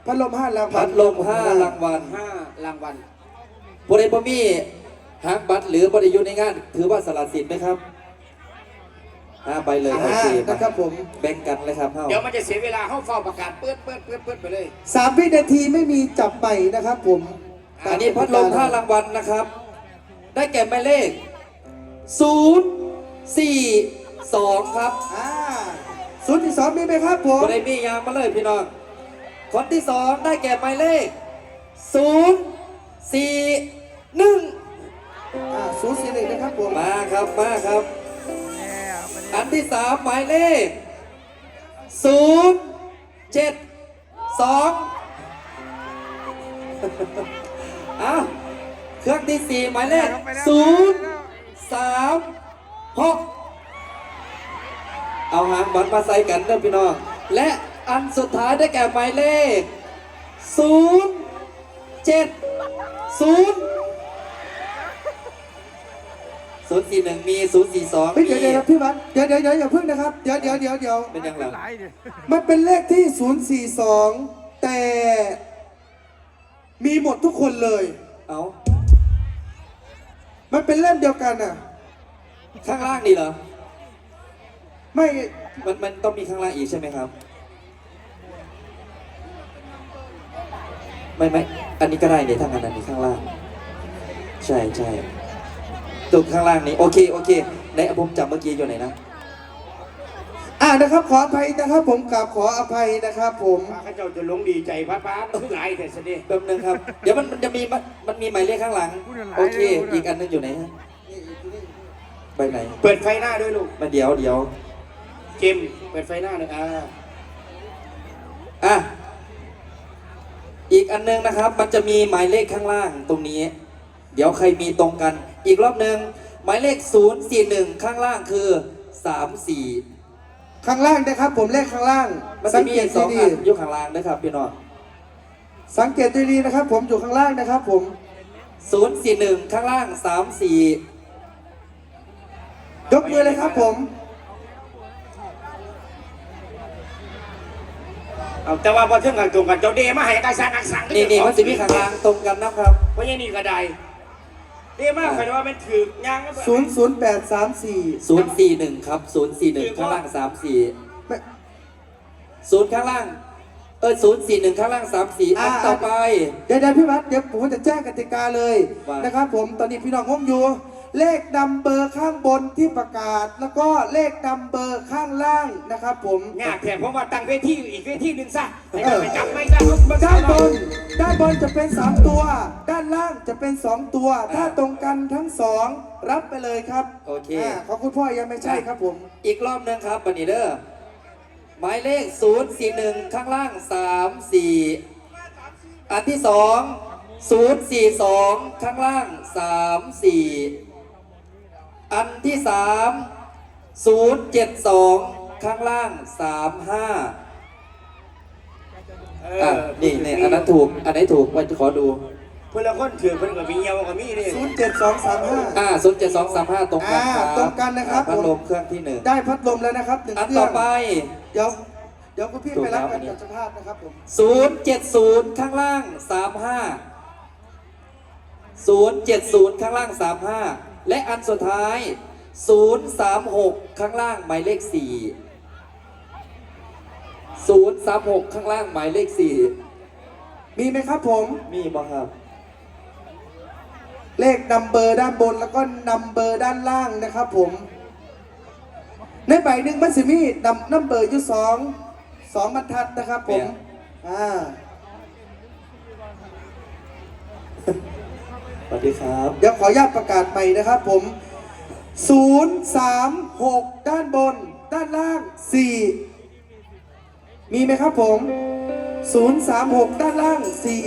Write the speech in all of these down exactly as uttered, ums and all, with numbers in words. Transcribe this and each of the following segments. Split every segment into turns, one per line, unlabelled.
พัดลมห้ารางวัล
พัดลมห้ารางวัล
ห้ารางวัล
บริบมีหางบัตรหรือบริยุในงานถือว่าสละสิทธิ์ไหมครับห้าใบเลยโอเค
นะครับผม
แบ่งกันเลยครับ
เดี๋ยวมันจะเสียเวลาเข้าเฝ้าประกาศเปิดเปิดเปิดเปิดไปเลย
สามวินาทีไม่มีจับไปนะครับผม
อันนี้พัดลมห้ารางวัลนะครับได้แก่หมายเลขศูนย์สี่สองครับ
อ่าศูนย์ที่สองมีไหมครับผม
บริมียางมาเลยพี่น้องคนที่สองได้แก่หมายเลขศูนย์สี่หนึ่ง
อ่าศูนย์สี่หนึ่งนะครับผม
มาครับมาครับอันที่สามหมายเลขศูนย์เจ็ดสองอ้าวเครื่องที่สี่หมายเลขศูนย์สามหกเอาหางบัตรมาใส่กันเด้อพี่น้องและอันสุดท้ายได้แก่หมายเลขศูนย์เจ็ดศูนย์ศูนย์สี่หนึ่งมีศูนย์สี่สอง
เดี๋ยวเดี๋ยวพี่วัดเดี๋ยวเดี๋ยวเดี๋ยวอย่าพึ่งนะครับเดี๋ยวเดี๋ยวเดี๋ยวเดี๋ยว
เป็นยังไง
มันเป็นเลขที่ศูนย์สี่สองแต่มีหมดทุกคนเลย
เอา
มันเป็นเล่มเดียวกันอ่ะ
ข้างล่างนี่เหรอ
ไม่
มันมันต้องมีข้างล่างอีกใช่ไหมครับไม่ไม่อันนี้ก็ได้เนี่ยถ้างั้นอันนี้ข้างล่างใช่ใช่ตุกข้างล่างนี้โอเคโอเคในผมจำเมื่อกี้อยู่ไหนนะ
อ่านะครับขออภัยนะครับผมกราบขออภัยนะครับผม
ข้าเจ้าจะลงดีใจพระพระทุกหลายแต่เสด็จ
แป๊บนึงครับเดี๋ยวมันมันจะมีมันมีหมายเลขข้างหลังโอเคอีกอันนึงอยู่ไหนฮะไปไหน
เปิดไฟหน้าด้วยลูก
มาเดี๋ยวเดี๋ยว
เกมเปิดไฟหน้าเลยอ่า
อ่ะอีกอันนึงนะครับมันจะมีหมายเลขข้างล่างตรงนี้เดี๋ยวใครมีตรงกันอีกรอบหนึ่งหมายเลขศูนย์สี่หนึ่งข้างล่างคือสามสี่
ข้างล่างนะครับผมเลขข้างล่าง
สังเกตสองอันอยู่ข้างล่างนะครับพี่น้อง
สังเกตดีๆนะครับผมอยู่ข้างล่างนะครับผม
ศูนย์สี่หนึ่งข้างล่างสามสี่
ยกมือเลยครับผม
เอาแต่ว่าพอเชื่อกันตรงกันเจ้าเดมาให้การสั่งการสั่ง
นี่นี่มันจะมีข้างล่างตรงกันนะครับ
เพราะยังนี่ก็ได้เดมาใครว่ามันถือยาง
ศูนย์ศูนย์แปดสามสี่
ศูนย์สี่หนึ่งครับศูนย์สี่หนึ่งข้างล่างสามสี่ศูนย์ข้างล่างเออศูนย์สี่หนึ่งข้างล่างสามสี่อันต่อไป
เดี๋ยวเดี๋ยวพี่วัดเดี๋ยวผมจะแจ้งกติกาเลยนะครับผมตอนนี้พี่น้องงงอยู่เลขนัมเบอร์ข้างบนที่ประกาศแล้วก็เลขนัมเบอร์ข้างล่างนะครับผม
งาแถมผมว่าตั้งเวทีอีกเวทีหนึ่งซะให้ไปจับไม่ได้
ด้านบนด้านบนจะเป็นสามตัวด้านล่างจะเป็นสองตัวถ้าตรงกันทั้งสองรับไปเลยครับ
โอเค
ขอบคุณพ่อยังไม่ใช่ครับผม
อีกรอบนึงครับบันนี้เด้อหมายเลขศูนย์สี่หนึ่งข้างล่างสามสี่อันที่สองศูนย์สี่สองข้างล่างสามสี่อันที่สามศูนย์เจ็ดสองข้างล่างสามห้าอ่ะนี่เนี่ยอันนั้นถูกอันไหนถูกว่าจะขอดู
เพื่อนละคนถือเพื่อนกับมีเยาวกับมีนี่
ศูนย์เจ็ดสองสามห้า
อ่าศูนย์เจ็ดสองสามห้าตรงกันครับ
ตรงกันนะครับ
พัดลมเครื่องที่หนึ่ง
ได้พัดลมแล้วนะครับหนึ่ง
อันต่อไป
เดี๋ยวเดี๋ยวคุณพี่ไปรับกันกับเจ้าภาพนะครับผม
ศูนย์เจ็ดศูนย์ข้างล่างสามห้าศูนย์เจ็ดศูนย์ข้างล่างสามห้าและอันสุดท้ายศูนย์สามหกข้างล่างหมายเลขสี่ศูนย์สามหกข้างล่างหมายเลขสี่
มีไหมครับผม
มีบ้างครับ
เลขนัมเบอร์ด้านบนแล้วก็นัมเบอร์ด้านล่างนะครับผมในใบหนึ่งมันสิมีนัมนัมเบอร์อยู่สองสองบรรทัดนะครับผมอ่า
สวัสดีครับ
เดี๋ยวขออนุญาตประกาศใหม่นะครับผมศูนย์สามหกด้านบนด้านล่างสี่มีไหมครับผมศูนย์สามหกด้านล่างสี่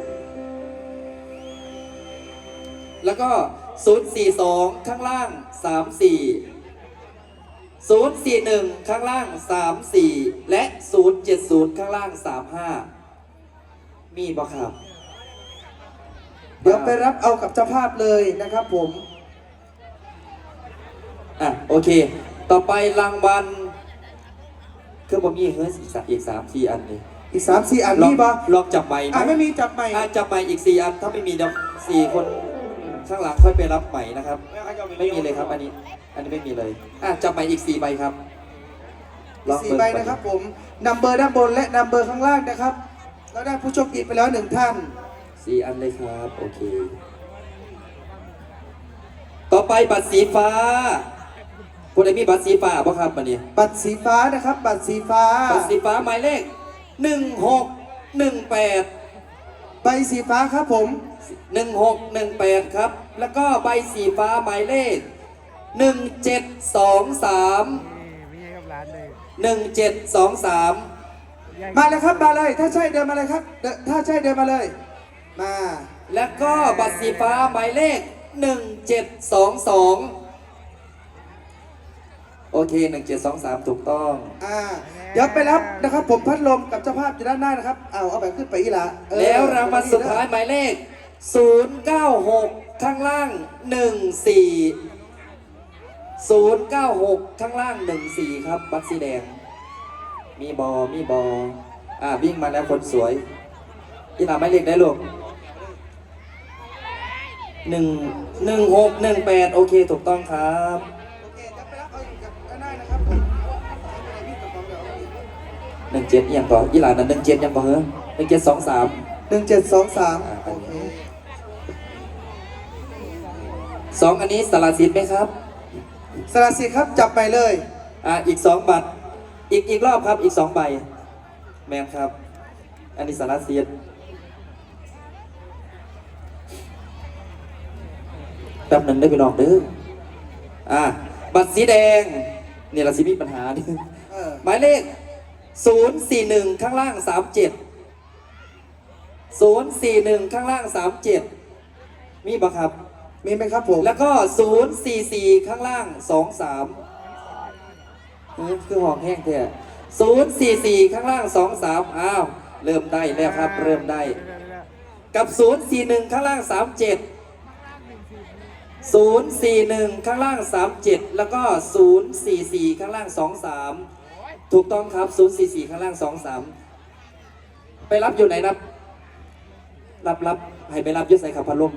แล้วก็ศูนย์สี่สองข้างล่างสามสี่ศูนย์สี่หนึ่งข้างล่างสามสี่และศูนย์เจ็ดศูนย์ข้างล่างสามห้ามีบ่ครับ
เดี๋ยวไปรับเอากับเจ้าภาพเลยนะครับผม
อ่ะโอเคต่อไปรางวัลคือผมมีเฮ้ยอีกสามอีกสามสี่อันเลย
อีกสามสี่อัน
ลอง
มีปะ
ลองจับใหม่ไหม
อ่ะไม่มีจับใหม่
อ่ะจับใหม่อีกสี่อันถ้าไม่มีเดี๋ยวสี่คนข้างหลังค่อยไปรับใหม่นะครับ ไม่มีเลยครับ อันนี้ อันนี้ไม่มีเลยอ่ะจับใหม่อีกสี่ใบครับลอง
สี่
เปิด
ใบนะครับผมนัมเบอร์ด้านบนและนัมเบอร์ข้างล่างนะครับเราได้ผู้โชคดีไปแล้วหนึ่งท่าน
สี่อันเลยครับ โอเค ต่อไปบัตรสีฟ้าผู้ใดมีบัตรสีฟ้าบ่ครับวันนี้
บัตรสีฟ้านะครับบัตรสีฟ้า
บัตรสีฟ้าหมายเลขหนึ่งหกหนึ่งแปด
ใบสีฟ้าครับผม
หนึ่งหกหนึ่งแปดครับ แล้วก็ใบสีฟ้าหมายเลขหนึ่งเจ็ดสองสามหนึ่งเจ็ดสองสาม
มาเลยครับมาเลยถ้าใช่เดินมาเลยครับเดินถ้าใช่เดินมาเลย มา
แล้วก็บัตรสีฟ้าหมายเลขหนึ่งเจ็ดสองสองโอเคหนึ่งเจ็ดสองสามถูกต้อง
อ่าเดี๋ยวไปรับนะครับ ผมพัดลมกับเจ้าภาพอยู่ด้านหน้านะครับเอาเอาแบบขึ้นไปอีละเออ
แล้วรางวัลสุดท้ายหมายเลขศูนย์เก้าหกข้างล่างหนึ่งสี่ ศูนย์เก้าหกข้างล่างหนึ่งสี่ครับบัตรสีแดงมีบอมีบออ่าวิ่งมาแล้วคนสวยอีหลาไม่เรียกได้ลูกหนึ่งหนึ่งหกหนึ่งแปดโอเคถูกต้องครับ
โอเคจะไปรับเอาอยู่กับด้านหน้านะครับผม
หนึ่งเจ็ดยังก่อนอีหลานั้นหนึ่งเจ็ดยังก่อนเหรอหนึ่งเจ็ดสองสาม
หนึ่งเจ็ดสองสาม
อ่า
โอเค
สองอันนี้สลัดสิทธิ์ไหมครับ
สละสิทธิ์ครับจับไปเลย
อ่าอีกสองบัตรอีกอีกรอบครับอีกสองใบแมนครับ อันนี้สลัดสิทธิ์แป๊บหนึ่งได้ไปลองเด้ออ่าบัตรสีแดงนี่เราสิมีปัญหานี่
เออ
หมายเลขศูนย์สี่หนึ่งข้างล่างสามเจ็ดศูนย์สี่หนึ่งข้างล่างสามเจ็ดมีปะครับ
มีไหมครับผม
แล้วก็ศูนย์สี่สี่ข้างล่างสองสามคือหอกแห้งแท้ศูนย์สี่สี่ข้างล่างสองสามอ้าวเริ่มได้แล้วครับ เริ่มได้ กับศูนย์สี่หนึ่งข้างล่างสามเจ็ดศูนย์สี่หนึ่งข้างล่างสามเจ็ดแล้วก็ศูนย์สี่สี่ข้างล่างสองสามถูกต้องครับศูนย์สี่สี่ข้างล่างสองสามไปรับอยู่ไหนรับรับรับให้ไปรับอยุทธใส่ขับพัดลม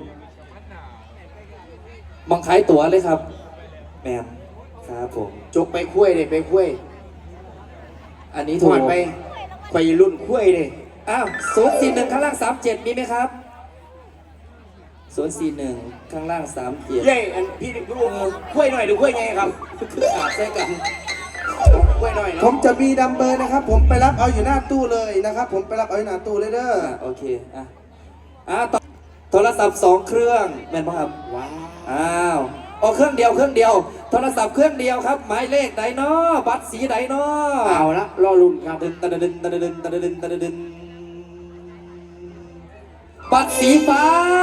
มองขายตั๋วเลยครับแมมครับผม
จกไปคุ้ยเลยไปคุ้ย
อันนี้
ถ
ถูก
อดไปไปรุ่นคุ้ยเลย
อ้าวศูนย์สี่หนึ่งข้างล่างสามเจ็ดมีไหมครับศูนย์สี่หนึ่งข้างล่างสามเจ็ด
เย้อันพี่ดูคุ้ยหน่อยดูคุ้ยไงครับ
คืออาบใส่กัน
คุ้ยหน่อย
ผ
เนาะ
มจะมีนัมเบอร์นะครับ ผมไปรับเอาอยู่หน้าตู้เลยนะครับ ผมไปรับเอาอยู่หน้าตู้เลยเด้อ
อ่าโอเคอ่ะอ่ะต่อโทรศัพท์สองเครื่องแม่นปะครับ
ว้าว
อ้าวเอาเครื่องเดียวเครื่องเดียวโทรศัพท์เครื่องเดียวครับหมายเลขใดเนาะบัตรสีใดเนาะ
เอาละรอรุ่นครับ
ดึนตะดึนตะดึนตะดึนตะดึนบัตรสีฟ้า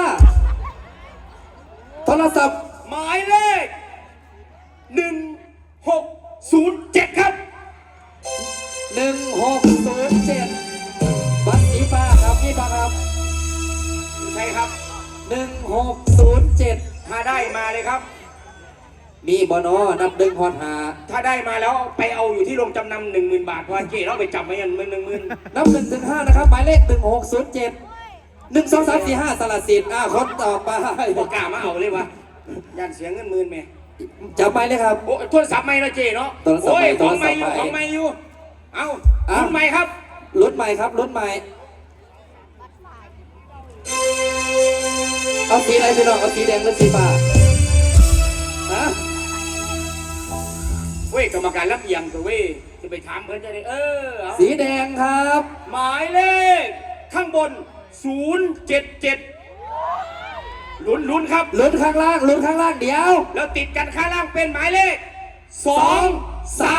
โทรศัพท์
หมายเลขหนึ่งหกศูนย์เจ็ดครับ
หนึ่งหกศูนย์เจ็ดบัตรสีฟ้าครับนี่ปะครับ
ใช่ครับ
หนึ่งหกศูนย์เจ็ด
ถ้าได้มาเลยครับ
มีบอนอนับดึงฮอนหา
ถ้าได้มาแล้วไปเอาอยู่ที่โรงจำนำหนึ่งหมื่นบาทเพราะเจ๊เราไปจับมาอย่างหมื่นหนึ่งหมื่น
นับหนึ่งถึงห้านะครับหมายเลขหนึ่งหกศูนย์เจ็ดหนึ่งสองสามสี่ห้าสลัดสิทธิ์อ่าคนต่อไป
บอกกล้ามาเอาเลยวะยันเสียเงินหมื่นไหม
จับไปเลยครับ
โอ้โทรศัพท์ไม่ละเจ๊เนาะ
โทรศัพท์
โอ้ย
ใหม่
ของไม่อยู่
โทรศัพท์ใหม่
ของไม่อยู่ เอา
อ้าว
รุ่นใหม่ครับ
รุ่นใหม่ครับรุ่นใหม่เอาสีอะไรพี่น้องเอาสีแดงหรือสีฟ้าฮะ
เว้ยกรรมการรับเอียงตัวเว้ยจะไปถามเพื่อนจะได้เออเอา
สีแดงครับ
หมายเลขข้างบนศูนย์เจ็ดเจ็ดลุ้นลุ้นครับ
ลุ้นข้างล่างลุ้นข้างล่างเดี๋ยว
แล้วติดกันข้างล่างเป็นหมายเลขสองสาม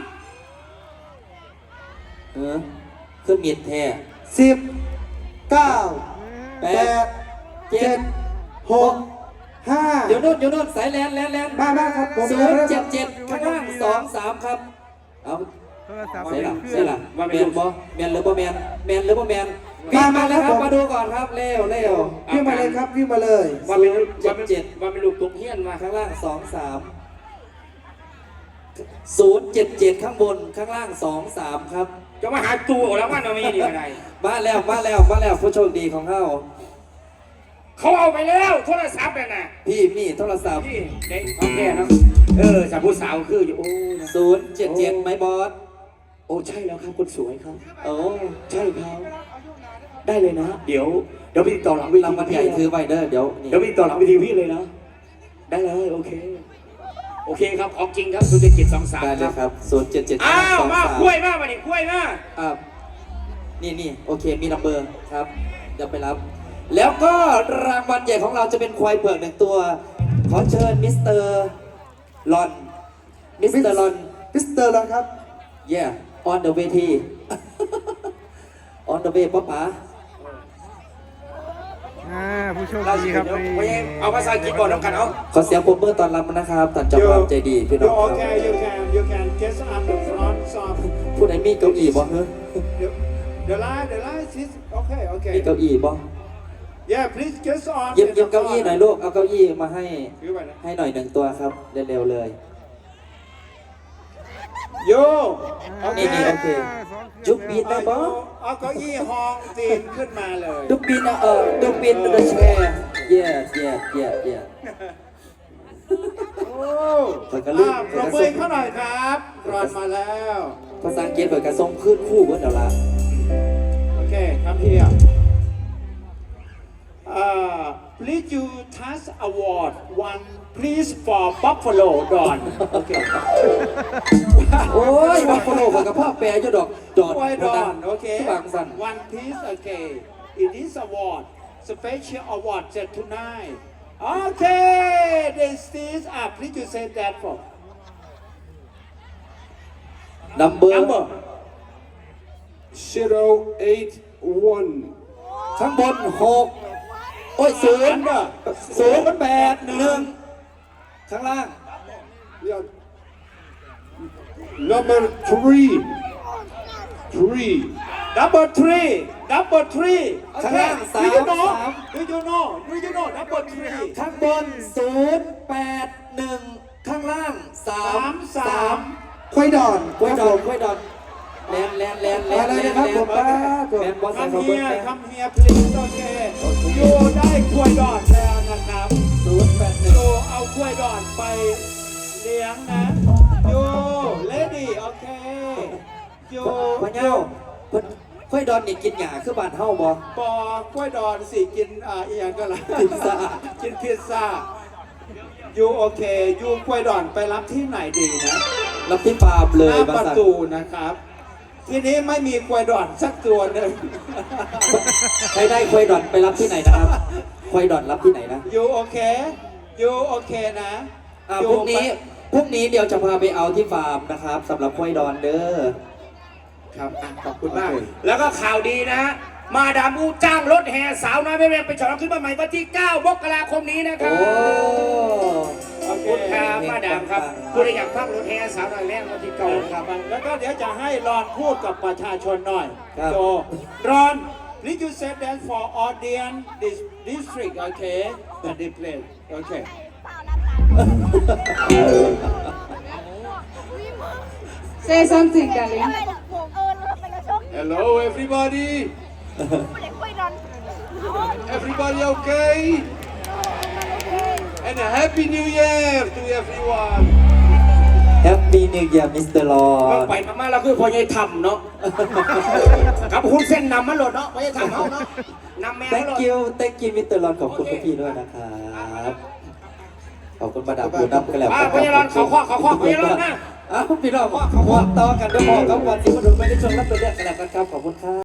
เออขึ้นมีดแท้
สิบเก้า
แป
แป
ด
ดเจ็ดหกห้า
เดี๋ยวนู่นเดี๋ยวนู่นสายแลนแลนแลน
มามาครับผม
ศูนย์เจ็ดเจ็ดข้างล่างสองสามครับเอา
โทรศัพท์
เสียหลัก
เค
เสี
รื่
ย
อง
หลักแมนบ่แมนหรือบ่แมนแมนหรือบ่แมนวิ่งมาแล้วครับมาดูก่อนครับเร็วเร็ว
วิ่งมาเลยครับวิ่งมาเลย
ว่าเป็น
เจ็
ว่า
ด
เป็น
เจ็ด
ว่าเป็นลูกตุกเฮียนมา
ข้างล่างสองสามศูนย์เจ็ดเจ็ดข้างบนข้างล่างสองสามครับ
จะมาหาตัวแล้วว่าเราไม่ดีอะไร
มาแล้วมาแล้วมาแล้วผู้โชคดีของเขา
เขาเอาไปแล้วโทรศัพท์น่ะนะ
พี่มีโทรศัพท์
พี่เด็กโอเคนะเออสาวผู้สาวคืออยู่โอ้นะ
ศูนย์เจ็ดเจ็ดไหมบอส
โอ้ใช่แล้วครับคนสวยครับ
โอ้
ใช่ครับได้เลยนะ เดี๋ยวเดี๋ยวไปติดต่อหลังเวที
รางวัลใหญ่คือไวเดอร์เดี๋ยวนี่
เดี๋ยวไปติดต่อหลังเวทีพี่เลยนะได้เลยโอเคโอเคครับของจริงครับศูนย์เจ็ดเจ็ดสองสาม
ได้เลยครับศูนย์เจ็ดเจ็ด
อ้าว
สอง
มา
สาม
กล้วยมามาดิกล้วยมา
อ่านี่นี่โอเคมีนัมเบอร์ครับ เดี๋ยวไปรับ แล้วก็รางวัลใหญ่ของเราจะเป็นควายเผือกหนึ่งตัว ขอเชิญมิสเตอร์ลอน มิสเตอร์ลอน
มิสเตอร์ลอนครับ
yeah on the way ที on the way ป๊าป๋า
อ่าผู้โชคดีครับ
ไม่เอาภาษาอังกฤษก่อนแล้วกันเอา
ขอเสียงปรบมือต้อนรับนะครับท่านเจ้าภาพใจดีพี่น้อง
You
ครับ
okay? You can you can get up the front of
ผู้ใดมีเก้าอี้บ่เฮ้ย
the the line. The line is okay.
มี
Okay.
เก้าอี้บ่
Yeah, please get on.
เย็บเย็บเก้าอี้หน่อยลูก เอาเก้าอี้มาให้
ถือไปนะ
ให้หน่อยหนึ่งตัวครับ เร็วๆเลย
You
นี่นี่โอ
okay?
เค จุกบีนได้
เอา
บ่
เอาเก้าอี้ห้องตีนขึ้นมาเลย
ดุกบินเออดุกบิน the chair yeah yeah yeah yeah
โอ้
เปิดกระลืม
อ่าปรบมือเขาหน่อยครับรอนมาแล้ว
ภาษาอังกฤษเปิดกระส่งขึ้นคู่เบิร์ดเดี๋ยวละ
โอเคครับพี่อ่ะ Uh, please you touch award one please for Buffalo Don. Okay.
โอ้ยบัฟฟาโลเปิดกระเพาะแปรอยู่ดอกดอด
Why Don? Okay.
บางสัน
One piece. Okay. It is award special award set tonight. Okay. This is uh, please you say that for
number
number zero eight one.
ข้างบนหกโอ้ยศูนย์
Under
ศูนย์แปดหนึ่งข้างล่าง
Yeah. Number three. Three. Number three. Number three.
ข้างล่าง
Do
สาม
you know?
สาม
Do you know? Do you know? Number three.
ข้างบนศูนย์แปดหนึ่งข้างล่างสา
สาม มสาม
ควายดอน
กล้วยดอนกล้วยดอนแลนแลนแลนแลน
มาเลยนะครับผมป้าผม
แลนบอสใส่
Come
เขาเบิ้ล
here,
แลน
come here, please. Okay. อยู่ได้กล้วยดอนแล้วนะครับ
ศูนย์แปดหนึ่
อง ยู่เอากล้วยดอนไปเลี้ยงนะอยู่ lady โอเคอยู่
พะเจ้าเพิ่นกล้วยดอนนี่กินหญ้าคือบ้านเฮาบ่
บอกกล้วยดอนสิกินอ่าอีหยังก็ล่ะ
พิซซ่า
กินพิซซ่าอยู่โอเคอยู่กล้วยดอนไปรับที่ไหนดีนะ
รับที่ฟาร์มเล
ห
ย
น้า
มา
ประ
สั่น
ตูนะครับ ทีนี้ไม่มีกล้วยดอนสักตัวหนึ่ง
ใครได้กล้วยดอนไปรับที่ไหนนะครับกล้วยดอนรับที่ไหนนะ
อยู่โอเคอยู่โอเคนะ
อ่า
อยู่
พรุ่งนี้
ไป
พรุ่งนี้เดี๋ยวจะพาไปเอาที่ฟาร์มนะครับสำหรับกล้วยดอนเด้อ
ครับอ่ะขอบคุณมาก
แล้วก็ข่าวดีนะ มาดามอูจ้างรถแห่สาวน้อยแม่แม่ไปฉลองขึ้นมาใหม่วันที่เก้ามกราคมนี้นะค
โอ้
รับขอบคุณครับมาดามครับคุณอยากฟังรถแห่สาวน้อยแม่วันที่เก้าครับ
แล้วก็เดี๋ยวจะให้รอนพูดกับประชาชนหน่อย
ครับ
โจรอน please you say that for audience this district okay the display okay
Say something, darling.
hello everybody everybody okay and a happy new year to everyone
แฮปปี้นิวเยียร์มิสเตอร์ลอ
ก็
น
ไปมาๆเราคือพอใหญ่ทำเนาะ กับคุณเส้นนำมันหลดเนาะพอใหญ่ทำเขาเนาะนำแมว
thank
หลด
you thank you มิสเตอร์ลอนขอบคุณพี่ๆด้วยนะครับขอบคุณมาดามปูนับกันแล้ว
อ่าพอใหญ่รอนเขาข้อเขาข้อพอใหญ่รอนนะ
อ้าวพี่น้องเขาข้อต่อกันด้วยพอครับวันที่มาดูไม่ได้ชมรับตัวเลือกกันแล้วกันครับขอบคุณครับ